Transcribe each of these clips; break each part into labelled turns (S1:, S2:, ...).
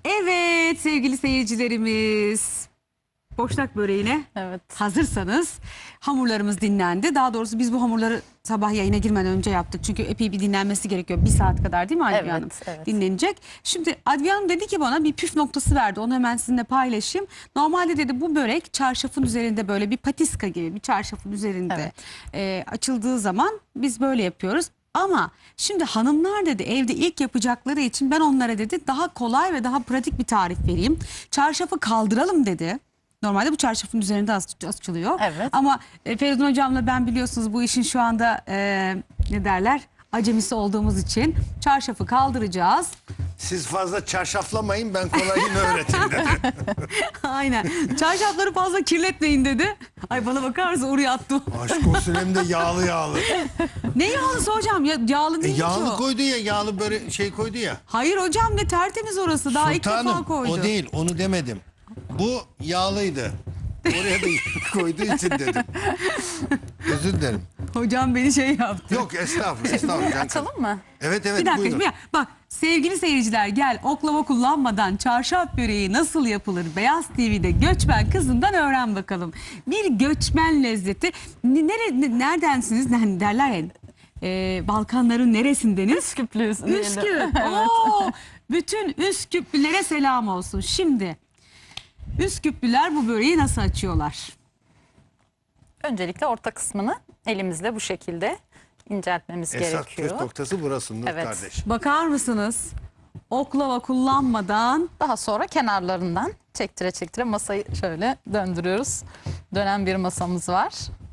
S1: Evet sevgili seyircilerimiz, boşnak böreğine hazırsanız hamurlarımız dinlendi. Daha doğrusu biz bu hamurları sabah yayına girmeden önce yaptık. Çünkü epey bir dinlenmesi gerekiyor. 1 saat kadar değil mi Adviye Hanım?
S2: Evet.
S1: Dinlenecek. Şimdi Adviye Hanım dedi ki bana bir püf noktası verdi. Onu hemen sizinle paylaşayım. Normalde dedi bu börek çarşafın üzerinde böyle bir patiska gibi bir çarşafın üzerinde açıldığı zaman biz böyle yapıyoruz. Ama şimdi hanımlar dedi evde ilk yapacakları için ben onlara dedi daha kolay ve daha pratik bir tarif vereyim. Çarşafı kaldıralım dedi. Normalde bu çarşafın üzerinde açılıyor.
S2: Evet.
S1: Ama Feridun hocamla ben biliyorsunuz bu işin şu anda ne derler acemisi olduğumuz için çarşafı kaldıracağız.
S3: Siz fazla çarşaflamayın, ben kolayını öğreteyim dedi.
S1: Aynen. Çarşafları fazla kirletmeyin dedi. Ay bana bakar mısın oraya attım.
S3: Aşk olsun, hem de yağlı yağlı.
S1: Ne yağlısı hocam? Ya, yağlı değil
S3: Yağlı
S1: o.
S3: koydu ya, yağlı böyle şey koydu ya.
S1: Hayır hocam ne tertemiz orası. Daha ilk defa
S3: Sultanım,
S1: koydu.
S3: o değil, onu demedim. Bu yağlıydı. Oraya da koyduğu için dedim. Özür dilerim.
S1: Hocam beni şey yaptı.
S3: Yok estağfurullah.
S2: Açalım mı?
S3: Evet
S1: Bir dakika
S3: buyurun.
S1: şimdi bak sevgili seyirciler gel oklava kullanmadan çarşaf böreği nasıl yapılır Beyaz TV'de Göçmen Kızından öğren bakalım. Bir göçmen lezzeti. Neredensiniz derler ya Balkanların neresindeniz?
S2: Üsküplüyüz.
S1: Üsküp. Oo, bütün Üsküplülere selam olsun. Şimdi Üsküplüler bu böreği nasıl açıyorlar?
S2: Öncelikle orta kısmını elimizle bu şekilde inceltmemiz
S3: Esas
S2: gerekiyor.
S3: püf noktası burası Nur
S2: Evet.
S3: kardeş.
S1: Bakar mısınız? Oklava kullanmadan
S2: Daha sonra kenarlarından çektire çektire masayı şöyle döndürüyoruz. Dönen bir masamız var.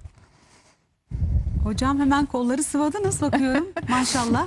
S1: hocam hemen kolları sıvadınız bakıyorum maşallah.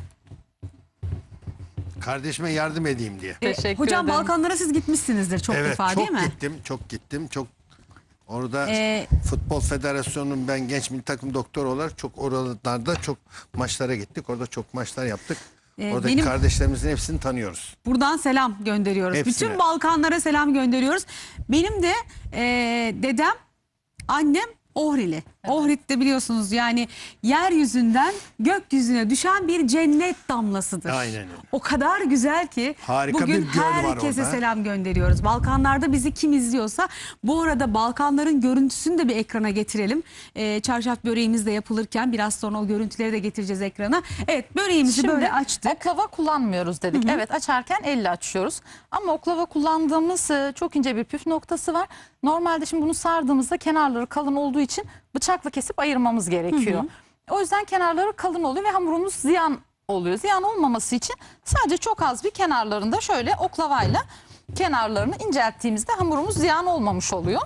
S3: Kardeşime yardım edeyim diye.
S2: Teşekkür
S1: Hocam
S2: ederim.
S1: Balkanlara siz gitmişsinizdir çok
S3: Evet,
S1: defa değil mi?
S3: çok gittim. Orada
S1: Ee,
S3: Futbol Federasyonu'nun ben genç milli takım doktoru olarak çok oralarda çok maçlara gittik. Orada çok maçlar yaptık. Oradaki
S1: benim-
S3: kardeşlerimizin hepsini tanıyoruz.
S1: Buradan selam gönderiyoruz.
S3: Hepsine.
S1: Bütün Balkanlara selam gönderiyoruz. Benim de dedem, annem Ohrili. Ohrid de biliyorsunuz yani yeryüzünden gökyüzüne düşen bir cennet damlasıdır.
S3: Aynen öyle.
S1: O kadar güzel ki
S3: Harika
S1: bugün
S3: bir göl var
S1: herkese
S3: orada.
S1: selam gönderiyoruz. Balkanlarda bizi kim izliyorsa bu arada Balkanların görüntüsünü de bir ekrana getirelim. Çarşaf böreğimiz de yapılırken biraz sonra o görüntüleri de getireceğiz ekrana. Evet böreğimizi böyle açtık.
S2: Oklava kullanmıyoruz dedik. Evet açarken elle açıyoruz. Ama oklava kullandığımız çok ince bir püf noktası var. Normalde şimdi bunu sardığımızda kenarları kalın olduğu için bıçakla kesip ayırmamız gerekiyor. O yüzden kenarları kalın oluyor ve hamurumuz ziyan oluyor. Ziyan olmaması için sadece çok az bir kenarlarında şöyle oklavayla kenarlarını incelttiğimizde hamurumuz ziyan olmamış oluyor.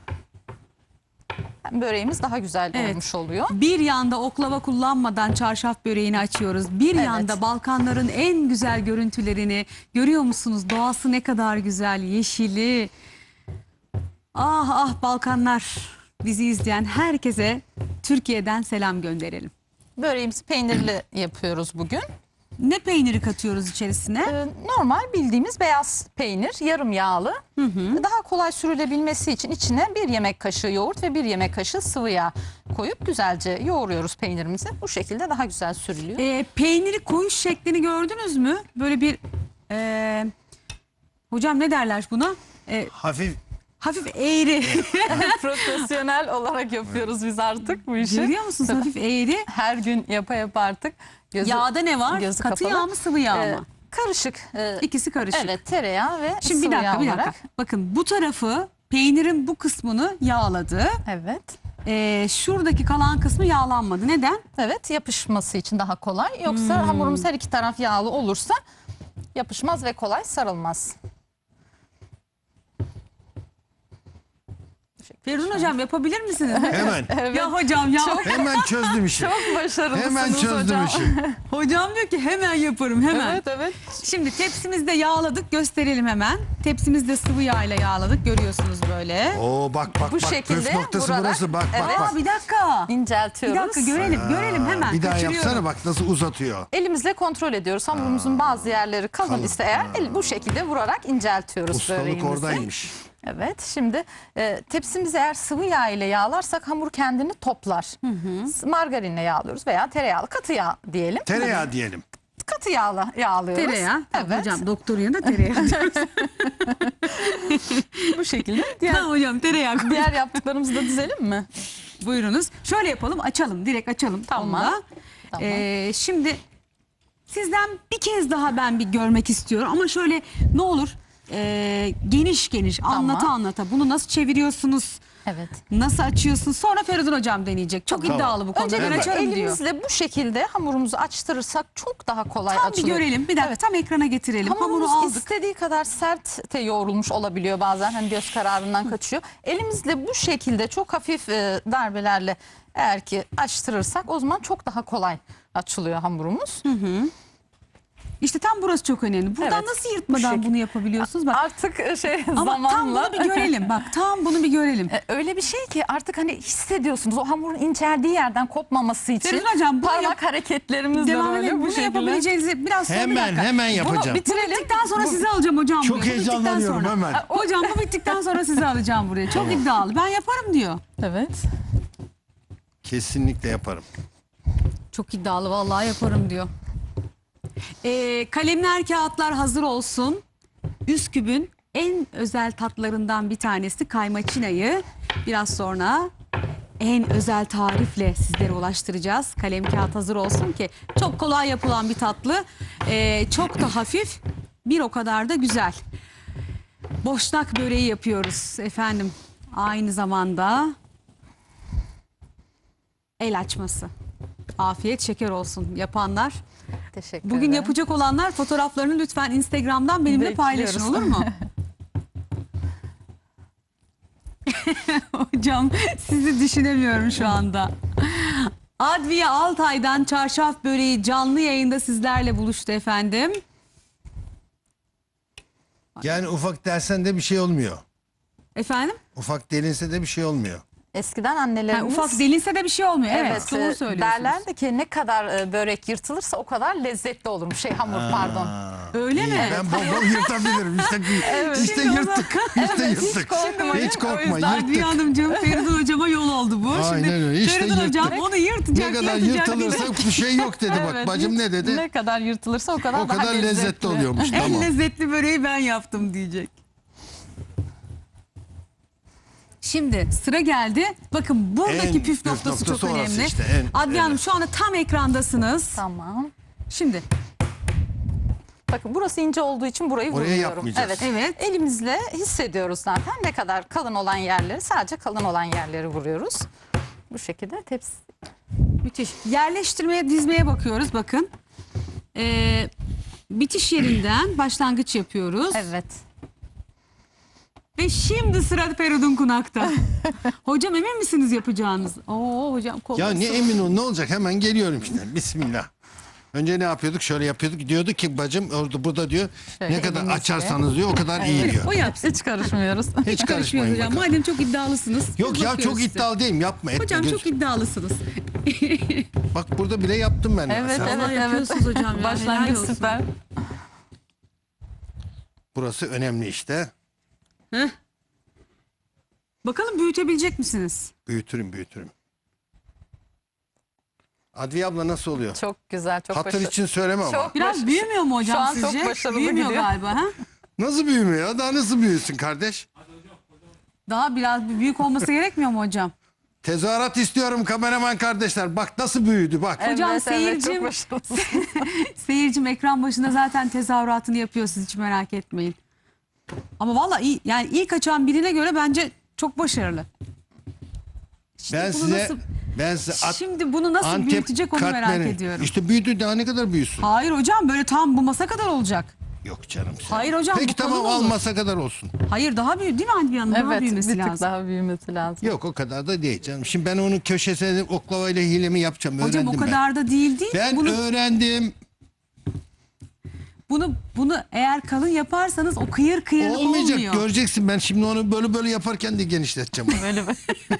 S2: Böreğimiz daha güzel olmuş oluyor.
S1: Bir yanda oklava kullanmadan çarşaf böreğini açıyoruz. Bir yanda Balkanların en güzel görüntülerini görüyor musunuz? Doğası ne kadar güzel, yeşili. Ah ah Balkanlar, bizi izleyen herkese Türkiye'den selam gönderelim.
S2: Böreğimizi peynirli yapıyoruz bugün.
S1: Ne peyniri katıyoruz içerisine?
S2: Normal bildiğimiz beyaz peynir, yarım yağlı. Daha kolay sürülebilmesi için içine 1 yemek kaşığı yoğurt ve 1 yemek kaşığı sıvı yağ koyup güzelce yoğuruyoruz peynirimizi. Bu şekilde daha güzel sürülüyor.
S1: Peyniri koyuş şeklini gördünüz mü? Böyle bir hocam ne derler buna?
S3: Hafif
S1: eğri.
S2: Profesyonel olarak yapıyoruz biz artık bu işi.
S1: Görüyor musunuz hafif eğri?
S2: Her gün yapa artık.
S1: Yağda ne var?
S2: gözü
S1: Katı
S2: kapalı.
S1: yağ mı sıvı yağ mı?
S2: Karışık.
S1: İkisi karışık.
S2: Evet, tereyağı ve
S1: Şimdi
S2: sıvı
S1: bir
S2: yağ
S1: dakika.
S2: olarak.
S1: Bakın bu tarafı peynirin bu kısmını yağladı.
S2: Evet.
S1: Şuradaki kalan kısmı yağlanmadı. Neden?
S2: Evet, yapışması için daha kolay. Yoksa hamurumuz her iki taraf yağlı olursa yapışmaz ve kolay sarılmaz.
S1: Feridun hocam yapabilir misiniz?
S3: hemen.
S1: Ya hocam ya.
S3: Hemen çözdüm işi.
S2: Çok başarılısınız
S3: Hemen çözdüm
S2: hocam.
S3: işi.
S1: Hocam diyor ki hemen yaparım hemen.
S2: Evet.
S1: Şimdi tepsimizde yağladık gösterelim hemen. Tepsimizde sıvı yağ ile yağladık görüyorsunuz böyle.
S3: Oo bak
S2: Bu şekilde
S3: püf noktası
S2: vurarak,
S3: burası bak.
S1: Aa, bir dakika.
S2: İnceltiyoruz.
S1: Bir dakika görelim hemen.
S3: Bir daha
S1: Kaçırıyorum.
S3: yapsana bak nasıl uzatıyor.
S2: Elimizle kontrol ediyoruz. Hamurumuzun bazı yerleri kalın ise eğer bu şekilde vurarak inceltiyoruz
S3: Ustalık
S2: böreğimizi.
S3: oradaymış.
S2: Evet, şimdi tepsimizi eğer sıvı yağ ile yağlarsak hamur kendini toplar. Margarinle yağlıyoruz veya tereyağlı katı yağ diyelim.
S3: Tereyağı diyelim.
S2: katı yağlıyoruz.
S1: Tereyağı. Tamam,
S2: Evet.
S1: hocam doktorun yanında tereyağı diyoruz.
S2: Bu şekilde. Diğer,
S1: Tamam hocam, tereyağı koy.
S2: diğer yaptıklarımızı da dizelim mi?
S1: Buyurunuz. Şöyle yapalım, açalım. Direkt açalım.
S2: Tamam.
S1: Onu da.
S2: Tamam.
S1: Şimdi sizden bir kez daha ben bir görmek istiyorum. Ama şöyle ne olur geniş geniş anlata anlata. Bunu nasıl çeviriyorsunuz?
S2: Evet.
S1: Nasıl açıyorsun? Sonra Feridun hocam deneyecek. Çok
S3: Tamam.
S1: iddialı bu konuda. Ben
S2: Öncelikle
S1: açarım diyor.
S2: elimizle bu şekilde hamurumuzu açtırırsak çok daha kolay
S1: Tam bir
S2: açılıyor.
S1: görelim. Bir dakika tam ekrana getirelim.
S2: Hamurumuz
S1: Hamuru aldık.
S2: istediği kadar sert de yoğrulmuş olabiliyor bazen. Hani göz kararından kaçıyor. Elimizle bu şekilde çok hafif darbelerle eğer ki açtırırsak o zaman çok daha kolay açılıyor hamurumuz.
S1: İşte tam burası çok önemli. Buradan
S2: Evet,
S1: nasıl
S2: bu
S1: yırtmadan
S2: şekilde.
S1: bunu yapabiliyorsunuz? Bak.
S2: Artık
S1: Ama tam
S2: zamanla
S1: bunu bir görelim. Bak tam bunu bir görelim.
S2: öyle bir şey ki artık hani hissediyorsunuz o hamurun inceldiği yerden kopmaması için
S1: Feridun hocam, bunu
S2: parmak hareketlerimizle
S1: Devam
S2: böyle
S1: edelim.
S2: bu
S1: Bunu
S2: şekilde.
S1: yapabileceğinizi biraz sonra bir dakika.
S3: Hemen yapacağım.
S1: Bunu bitirdikten sonra sizi alacağım hocam.
S3: Çok
S1: buraya. Bu bittikten
S3: heyecanlanıyorum
S1: sonra.
S3: hemen.
S1: Hocam bu bittikten sonra sizi alacağım buraya. Çok iddialı. Ben yaparım diyor.
S2: Evet.
S3: Kesinlikle yaparım.
S1: Çok iddialı vallahi yaparım diyor. Kalemler, kağıtlar hazır olsun. Üsküp'ün en özel tatlarından bir tanesi kaymaçinayı biraz sonra en özel tarifle sizlere ulaştıracağız. Kalem kağıt hazır olsun ki çok kolay yapılan bir tatlı. Çok da hafif, bir o kadar da güzel. Boşnak böreği yapıyoruz efendim. Aynı zamanda el açması. Afiyet şeker olsun yapanlar.
S2: Teşekkür
S1: Bugün
S2: ederim.
S1: yapacak olanlar fotoğraflarını lütfen Instagram'dan benimle
S2: Bekliyoruz.
S1: paylaşın, olur mu? Hocam sizi düşünemiyorum şu anda. Adviye Altay'dan çarşaf böreği canlı yayında sizlerle buluştu efendim.
S3: Yani ufak dersen de bir şey olmuyor.
S1: Efendim?
S3: Ufak delinse de bir şey olmuyor.
S2: Eskiden
S1: Ha,
S2: annelerimiz
S1: ufak delinse de bir şey olmuyor. Evet,
S2: evet,
S1: doğru söylüyorsunuz.
S2: derlerdi ki ne kadar börek yırtılırsa o kadar lezzetli olurmuş. Hamur pardon.
S1: Öyle mi?
S3: Ben bol bol yırtabilirim. İşte
S1: Şimdi o
S3: yırttık. İşte yırttık.
S2: korkmayın.
S3: Hiç korkma,
S2: O yüzden
S1: Adviye
S3: yırttık.
S1: Hanımcığım, Feridun hocama yol oldu bu.
S3: Aynen
S1: Şimdi
S3: öyle, işte
S1: Feridun hocam
S3: yırttık.
S1: onu yırtacak,
S3: Ne kadar
S1: yırtacak.
S3: yırtılırsa bir şey yok dedi. Bak
S2: Evet,
S3: bacım ne dedi?
S2: Ne kadar yırtılırsa o kadar
S3: O
S2: daha
S3: kadar lezzetli oluyormuş.
S1: En
S3: Tamam.
S1: lezzetli böreği ben yaptım diyecek. Şimdi sıra geldi. Bakın buradaki
S3: En
S1: püf
S3: püf
S1: noktası çok
S3: noktası orası
S1: önemli.
S3: işte,
S1: Adviye Hanım
S3: evet.
S1: şu anda tam ekrandasınız.
S2: Tamam.
S1: Şimdi
S2: Bakın burası ince olduğu için burayı
S3: Oraya
S2: vurmuyorum.
S3: yapmayacağız.
S2: Evet.
S1: Evet.
S2: Elimizle hissediyoruz zaten ne kadar kalın olan yerleri, sadece kalın olan yerleri vuruyoruz. Bu şekilde tepsi.
S1: müthiş. Yerleştirmeye, dizmeye bakıyoruz bakın. Bitiş yerinden başlangıç yapıyoruz.
S2: Evet.
S1: Ve şimdi sıra Feridun Kunak'ta. Hocam emin misiniz yapacağınız? Oo hocam kolay.
S3: Ya ne emin ol, ne olacak, hemen geliyorum işte. Bismillah. Önce ne yapıyorduk? Şöyle yapıyorduk. Diyorduk ki bacım orada burada diyor.
S2: Şöyle
S3: ne kadar
S2: elimizle.
S3: açarsanız diyor o kadar iyi diyor.
S1: O yapsın.
S2: Hiç karışmıyoruz.
S3: Hiç
S1: Karışmıyoruz
S3: karışmayın
S1: hocam.
S3: bakalım.
S1: Madem çok iddialısınız.
S3: Yok
S1: biz
S3: ya
S1: bakıyoruz
S3: çok
S1: size.
S3: iddialı değilim, yapma etme.
S1: Hocam
S3: Göz-
S1: çok iddialısınız.
S3: Bak burada bile yaptım ben.
S2: Evet,
S3: mesela.
S2: evet,
S1: Vallahi
S2: evet.
S1: yapıyorsunuz hocam ya, helal
S2: Başlangıç
S1: olsun.
S2: süper.
S3: Burası önemli işte.
S1: Bakalım büyütebilecek misiniz?
S3: Büyütürüm. Adviye abla nasıl oluyor?
S2: Çok güzel, çok
S3: Hatır
S2: başarılı.
S3: için söyleme ama.
S2: Çok
S1: Biraz
S2: baş-
S1: büyümüyor mu hocam
S2: Şu an
S1: sizce?
S2: çok başarılı
S1: Büyümüyor
S2: gidiyor.
S1: galiba ha?
S3: Nasıl büyümüyor ya? Daha nasıl büyüsün kardeş?
S1: Daha biraz büyük olması gerekmiyor mu hocam?
S3: Tezahürat istiyorum kameraman kardeşler. Bak nasıl büyüdü bak.
S1: Hocam
S2: Evet,
S1: seyircim-
S2: çok başarılısın.
S1: Seyircim ekran başında zaten tezahüratını yapıyor, siz hiç merak etmeyin. Ama vallahi iyi, yani ilk açan birine göre bence çok başarılı.
S3: Ben
S1: bunu
S3: size
S1: nasıl-
S3: şimdi
S1: bunu nasıl büyütecek onu merak ediyorum.
S3: İşte büyüdü, daha ne kadar büyüsün?
S1: Hayır hocam, böyle tam bu masa kadar olacak.
S3: Yok canım. sen.
S1: Hayır hocam,
S3: Peki
S1: bu kalın
S3: tamam,
S1: olur.
S3: almasa kadar olsun.
S1: Hayır, daha büyük değil mi Adviye Hanım? Daha
S2: Evet,
S1: büyümesi
S2: bir tık
S1: lazım.
S2: daha büyümesi lazım.
S3: Yok o kadar da değil canım. Şimdi ben onun köşesine oklavayla hilemi yapacağım.
S1: Hocam o
S3: Öğrendim
S1: kadar da değil değil.
S3: ben. Ben öğrendim.
S1: Bunu eğer kalın yaparsanız o kıyır kıyır
S3: Olmayacak,
S1: olmuyor.
S3: göreceksin. Ben şimdi onu böyle yaparken de genişleteceğim. onu.
S2: Böyle böyle.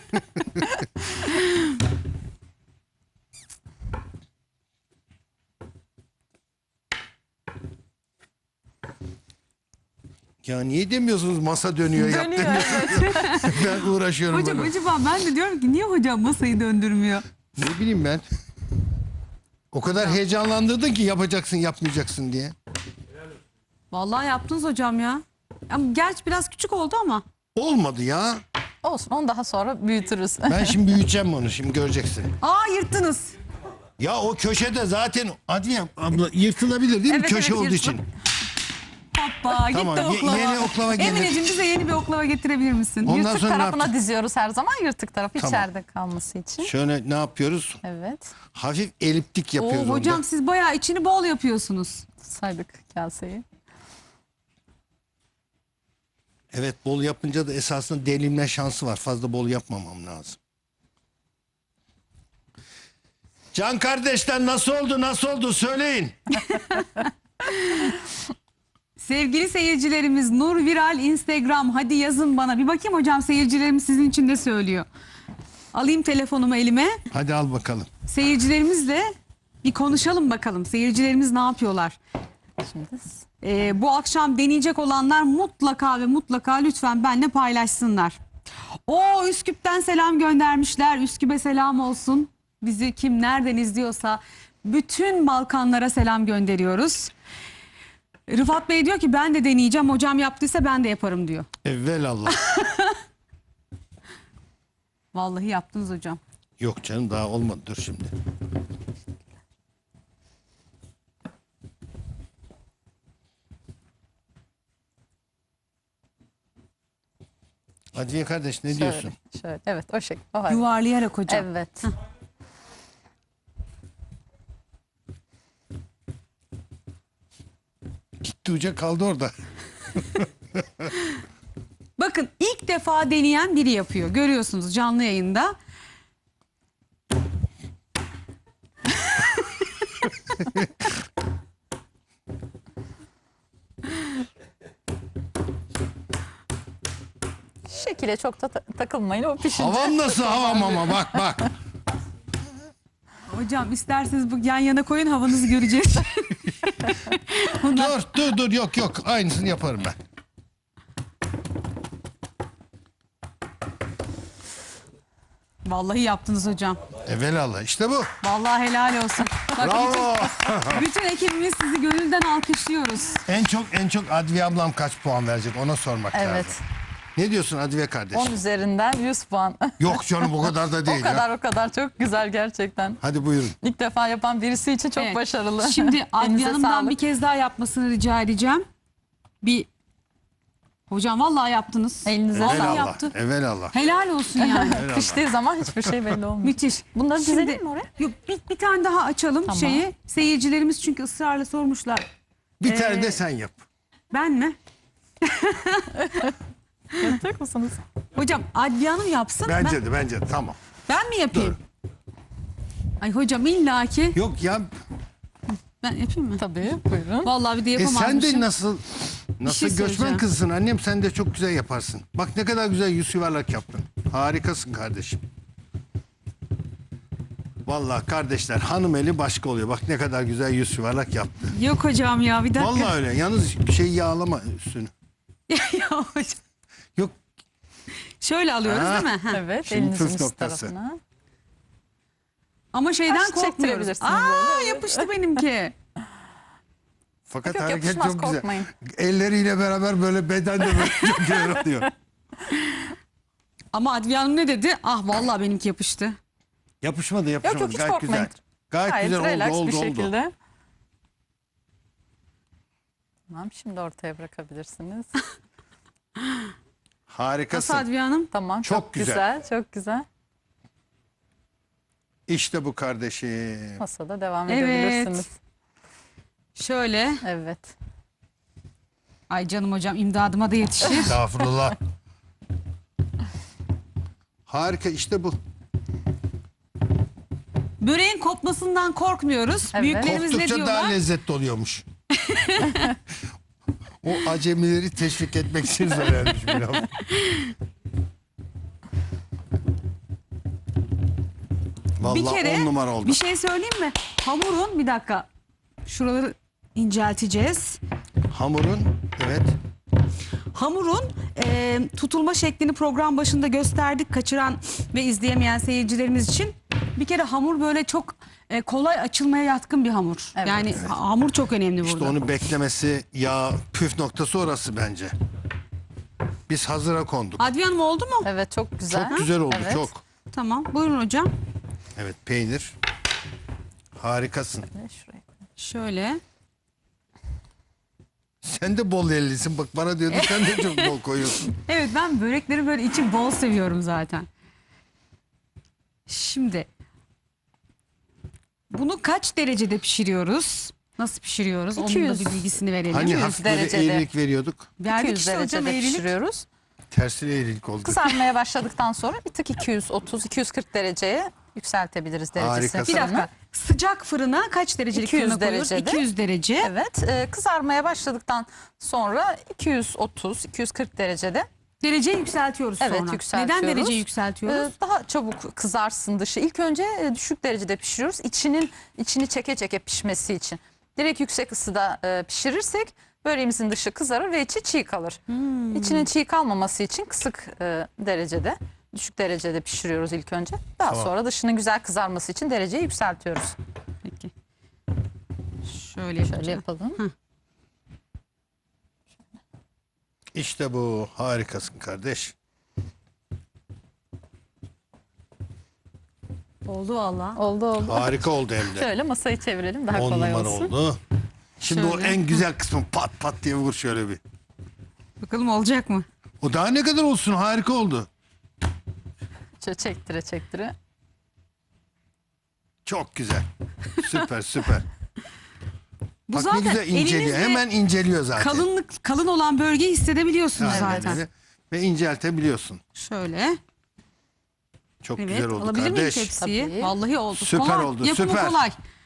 S3: Ya niye demiyorsunuz masa dönüyor, yap
S2: Dönüyor,
S3: demiyorsunuz. Ben uğraşıyorum
S1: Hocam
S3: böyle.
S1: acaba ben de diyorum ki niye hocam masayı döndürmüyor?
S3: Ne bileyim ben. O kadar heyecanlandırdın ki yapacaksın yapmayacaksın diye.
S1: Vallahi yaptınız hocam ya. Ama gerçi biraz küçük oldu ama.
S3: Olmadı ya.
S2: Olsun, onu daha sonra büyütürüz.
S3: Ben şimdi büyüteceğim onu, şimdi göreceksin.
S1: Aa, yırttınız.
S3: Ya o köşede zaten Adviye abla yırtılabilir değil mi?
S1: Evet,
S3: Köşe
S1: evet,
S3: olduğu
S1: yırtıl-
S3: için.
S1: Hoppa,
S3: Tamam,
S1: gitti oklava.
S3: yeni oklava gelir.
S1: Emineciğim, bize yeni bir oklava getirebilir misin?
S3: Ondan
S2: Yırtık
S3: sonra ne
S2: tarafına
S3: yaptık?
S2: diziyoruz her zaman. Yırtık tarafı
S3: Tamam.
S2: içeride kalması için.
S3: Şöyle ne yapıyoruz?
S2: Evet.
S3: Hafif eliptik yapıyoruz
S1: Oo, hocam
S3: onda.
S1: siz bayağı içini bol yapıyorsunuz.
S2: Saydık kaseyi.
S3: Evet, bol yapınca da esasında delinme şansı var. Fazla bol yapmamam lazım. Can kardeşler nasıl oldu, nasıl oldu söyleyin.
S1: Sevgili seyircilerimiz, Nur Viral Instagram, hadi yazın bana. Bir bakayım hocam, seyircilerimiz sizin için ne söylüyor. Alayım telefonumu elime.
S3: Hadi al bakalım.
S1: Seyircilerimizle bir konuşalım bakalım. Seyircilerimiz ne yapıyorlar?
S2: Şimdi
S1: Bu akşam deneyecek olanlar mutlaka ve mutlaka lütfen benimle paylaşsınlar. O Üsküp'ten selam göndermişler. Üsküp'e selam olsun. Bizi kim nereden izliyorsa bütün Balkanlara selam gönderiyoruz. Rıfat Bey diyor ki ben de deneyeceğim. Hocam yaptıysa ben de yaparım diyor.
S3: Evvelallah.
S1: Vallahi yaptınız hocam.
S3: Yok canım, daha olmadı, dur şimdi. Adviye kardeş ne diyorsun?
S2: şöyle. Evet, o şekilde. O halde.
S1: Yuvarlayarak hocam.
S2: Evet.
S3: Gitti uca kaldı orada.
S1: Bakın, ilk defa deneyen biri yapıyor. Görüyorsunuz canlı yayında.
S2: Şekile çok da takılmayın, o pişince.
S3: Havam nasıl havam ama bak bak.
S1: Hocam isterseniz bu yan yana koyun, havanızı göreceğiz.
S3: Dur yok aynısını yaparım ben.
S1: Vallahi yaptınız hocam.
S3: Evvelallah işte bu.
S1: Vallahi helal olsun. Bak,
S3: Bravo.
S1: bütün ekibimiz sizi gönülden alkışlıyoruz.
S3: en çok Adviye ablam kaç puan verecek ona sormak
S2: Evet.
S3: lazım. Ne diyorsun Adviye kardeş?
S2: 10 üzerinden 100 puan.
S3: Yok canım, o kadar da değil ya.
S2: O kadar çok güzel gerçekten.
S3: Hadi buyurun.
S2: İlk defa yapan birisi için çok
S1: Evet.
S2: başarılı.
S1: Şimdi Adviye
S2: Elinize
S1: Hanım'dan
S2: sağlık.
S1: bir kez daha yapmasını rica edeceğim. Hocam vallahi yaptınız.
S2: Elinize
S1: Vallahi
S2: sağlık.
S1: yaptı.
S3: Evvelallah.
S1: Helal olsun yani.
S2: Piştiği zaman hiçbir şey belli olmuyor.
S1: Müthiş.
S2: Bunları
S1: Şimdi-
S2: dizelim mi oraya?
S1: Yok, bir tane daha açalım
S2: Tamam.
S1: şeyi. Seyircilerimiz çünkü ısrarla sormuşlar.
S3: Bir tane de sen yap.
S1: Ben mi?
S2: Yapacak mısınız?
S1: Hocam Adviye Hanım yapsın.
S3: Bence de tamam.
S1: Ben mi yapayım? Ay hocam illaki
S3: Yok ya,
S1: ben yapayım mı?
S2: Tabii, buyurun.
S1: Vallahi bir de
S3: sen
S1: yapamazmışım.
S3: de nasıl
S1: şey
S3: göçmen
S1: söyleyeceğim.
S3: kızsın annem, sen de çok güzel yaparsın. Bak ne kadar güzel yüz yuvarlak yaptın. Harikasın kardeşim. Vallahi kardeşler, hanım eli başka oluyor. Bak ne kadar güzel yüz yuvarlak yaptı.
S1: Yok hocam ya, bir dakika.
S3: Vallahi öyle. Yalnız yağlama üstünü.
S1: Ya hocam.
S3: Yok.
S1: Şöyle alıyoruz
S3: Ha.
S1: değil mi? Ha.
S2: Evet,
S3: Şimdi
S2: elinizin
S3: püf
S2: üst
S3: noktası.
S2: tarafına.
S1: Ama şeyden
S2: Baş
S1: korkmuyoruz.
S2: çektirebilirsiniz
S1: Aa,
S2: böyle.
S1: yapıştı benimki.
S3: Fakat
S2: Yok,
S3: hareket
S2: yapışmaz,
S3: çok güzel.
S2: korkmayın.
S3: Elleriyle beraber böyle beden de böyle çok güzel oluyor.
S1: Ama Adviye Hanım ne dedi? Ah vallahi benimki yapıştı.
S3: Yapışmadı
S2: Yok hiç
S3: gayet
S2: korkmayın.
S3: güzel. Gayet
S2: Gayet
S3: güzel
S2: relax
S3: oldu
S2: bir
S3: oldu.
S2: şekilde. Tamam, şimdi ortaya bırakabilirsiniz.
S1: Nasıl
S3: Harikasın.
S1: Adviye Hanım?
S2: Tamam,
S3: Çok
S2: çok
S3: güzel.
S2: güzel. Çok güzel.
S3: İşte bu kardeşim.
S2: Masada devam
S1: Evet.
S2: edebilirsiniz.
S1: Şöyle.
S2: Evet.
S1: Ay canım hocam, imdadıma da yetişir.
S3: Estağfurullah. Harika, işte bu.
S1: Böreğin kopmasından korkmuyoruz.
S2: Evet.
S1: Büyüklerimiz ne
S3: Koptukça
S1: diyorlar?
S3: daha lezzetli oluyormuş. O acemileri teşvik etmek için söylenmiş bir laf.
S1: Bir
S3: Vallahi
S1: kere
S3: 10 numara oldu.
S1: bir şey söyleyeyim mi? Hamurun, bir dakika. Şuraları incelteceğiz.
S3: Hamurun, evet.
S1: Hamurun tutulma şeklini program başında gösterdik. Kaçıran ve izleyemeyen seyircilerimiz için. Bir kere hamur böyle çok kolay açılmaya yatkın bir hamur.
S2: Evet.
S1: Yani hamur çok önemli burada.
S3: İşte onu beklemesi, yağ püf noktası orası bence. Biz hazıra konduk.
S1: Adviye Hanım oldu mu?
S2: Evet, çok güzel.
S3: Çok güzel oldu,
S2: Evet.
S3: çok.
S1: Tamam. Buyurun hocam.
S3: Evet, peynir. Harikasın.
S2: Şuraya.
S1: Şöyle.
S3: Sen de bol ellisin. Bak bana diyordu sen de çok bol koyuyorsun.
S1: Evet, ben börekleri böyle içi bol seviyorum zaten. Şimdi bunu kaç derecede pişiriyoruz? Nasıl pişiriyoruz? Onun da
S2: 200.
S1: bir bilgisini verelim.
S3: Hani
S2: 200
S3: hafif böyle
S2: derecede.
S3: eğrilik veriyorduk.
S1: Verdik
S2: 200
S1: işte hocam,
S2: derecede
S1: eğrilik.
S2: pişiriyoruz.
S3: Tersine eğrilik oldu.
S2: Kızarmaya başladıktan sonra bir tık 230-240 dereceye yükseltebiliriz derecesini.
S3: Harikasın.
S1: Bir dakika. Sıcak fırına kaç derecelik
S2: 200
S1: fırına koyuyoruz?
S2: derecede.
S1: 200 derece.
S2: Evet, kızarmaya başladıktan sonra 230-240 derecede
S1: Dereceyi yükseltiyoruz
S2: Evet,
S1: sonra.
S2: yükseltiyoruz.
S1: Neden dereceyi yükseltiyoruz?
S2: daha çabuk kızarsın dışı. İlk önce düşük derecede pişiriyoruz. İçini çeke çeke pişmesi için. Direkt yüksek ısıda pişirirsek böreğimizin dışı kızarır ve içi çiğ kalır. İçinin çiğ kalmaması için kısık derecede, düşük derecede pişiriyoruz ilk önce. Daha
S3: Tamam.
S2: sonra dışının güzel kızarması için dereceyi yükseltiyoruz.
S1: Peki. Şöyle
S2: Şöyle yapalım.
S3: İşte bu. Harikasın kardeş.
S1: Oldu valla.
S2: Oldu.
S3: Harika oldu hem de.
S2: Şöyle masayı çevirelim daha
S3: 10
S2: kolay
S3: numara
S2: olsun.
S3: oldu. Şimdi o
S1: Şöyle.
S3: en güzel kısmı pat pat diye vur şöyle bir.
S1: Bakalım olacak mı?
S3: O daha ne kadar olsun, harika oldu.
S2: Şöyle çektire çektire.
S3: Çok güzel. Süper süper.
S1: Bu
S3: Bak ne
S1: zaten
S3: güzel inceliyor.
S1: elinizle
S3: Hemen inceliyor zaten.
S1: kalın olan bölgeyi hissedebiliyorsunuz
S3: Aynen
S1: zaten.
S3: öyle. Ve inceltebiliyorsun.
S1: Şöyle.
S3: Çok
S1: Evet.
S3: güzel oldu
S1: Alabilir miyim
S3: kardeş.
S1: tepsiyi?
S2: Tabii.
S1: Vallahi oldu.
S3: Süper
S1: kolay.
S3: oldu,
S1: Yapımı
S3: süper.
S1: kolay.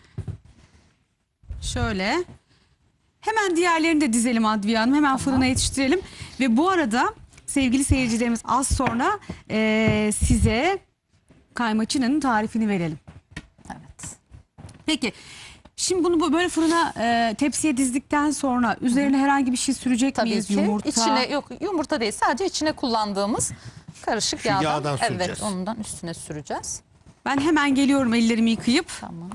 S1: Şöyle. Hemen diğerlerini de dizelim Adviye Hanım. Hemen fırına yetiştirelim. Ve bu arada sevgili seyircilerimiz az sonra size kaymaçının tarifini verelim.
S2: Evet.
S1: Peki. Şimdi bunu böyle fırına tepsiye dizdikten sonra üzerine herhangi bir şey sürecek
S2: Tabii
S1: miyiz?
S2: ki.
S1: Yumurta.
S2: İçine yok, yumurta değil, sadece içine kullandığımız karışık
S3: Şu
S2: yağdan.
S3: yağdan
S2: Evet,
S3: süreceğiz.
S2: ondan üstüne süreceğiz.
S1: Ben hemen geliyorum ellerimi yıkayıp.
S2: Tamam.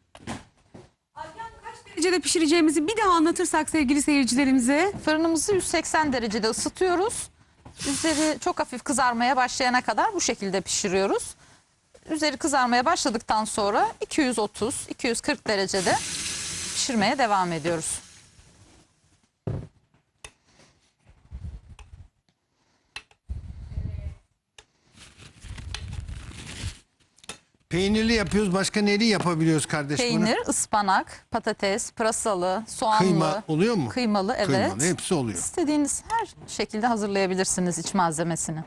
S1: Kaç derecede pişireceğimizi bir daha anlatırsak sevgili seyircilerimize.
S2: Fırınımızı 180 derecede ısıtıyoruz. Üzeri çok hafif kızarmaya başlayana kadar bu şekilde pişiriyoruz. Üzeri kızarmaya başladıktan sonra 230-240 derecede pişirmeye devam ediyoruz.
S3: Peynirli yapıyoruz. Başka neli yapabiliyoruz kardeş bunu?
S2: Peynir, ıspanak, patates, pırasalı, soğanlı,
S3: Kıyma oluyor mu?
S2: kıymalı, evet.
S3: Kıymalı hepsi oluyor.
S2: İstediğiniz her şekilde hazırlayabilirsiniz iç malzemesini.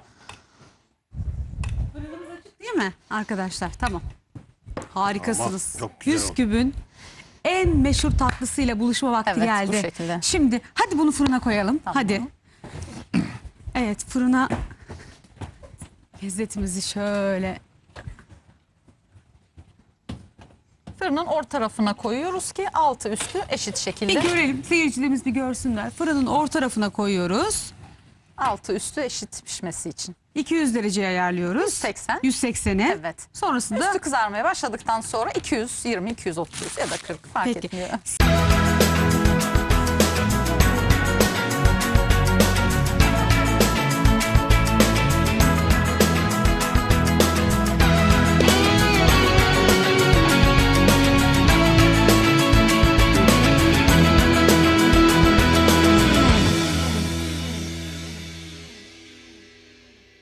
S1: Değil mi arkadaşlar? Tamam. Harikasınız.
S3: Tamam, çok güzel oldu.
S1: Püsküb'ün en meşhur tatlısıyla buluşma vakti
S2: Evet,
S1: geldi.
S2: bu şekilde.
S1: Şimdi hadi bunu fırına koyalım.
S2: Tamam.
S1: Hadi. Evet, fırına lezzetimizi şöyle.
S2: Fırının orta tarafına koyuyoruz ki altı üstü eşit şekilde.
S1: Bir görelim. Seyircilerimiz bir görsünler. Fırının orta tarafına koyuyoruz.
S2: Altı üstü eşit pişmesi için.
S1: 200 dereceye ayarlıyoruz.
S2: 180.
S1: 180'e.
S2: Evet.
S1: Sonrasında
S2: Üstü kızarmaya başladıktan sonra 220, 230 ya da 40 fark
S1: Peki.
S2: etmiyor.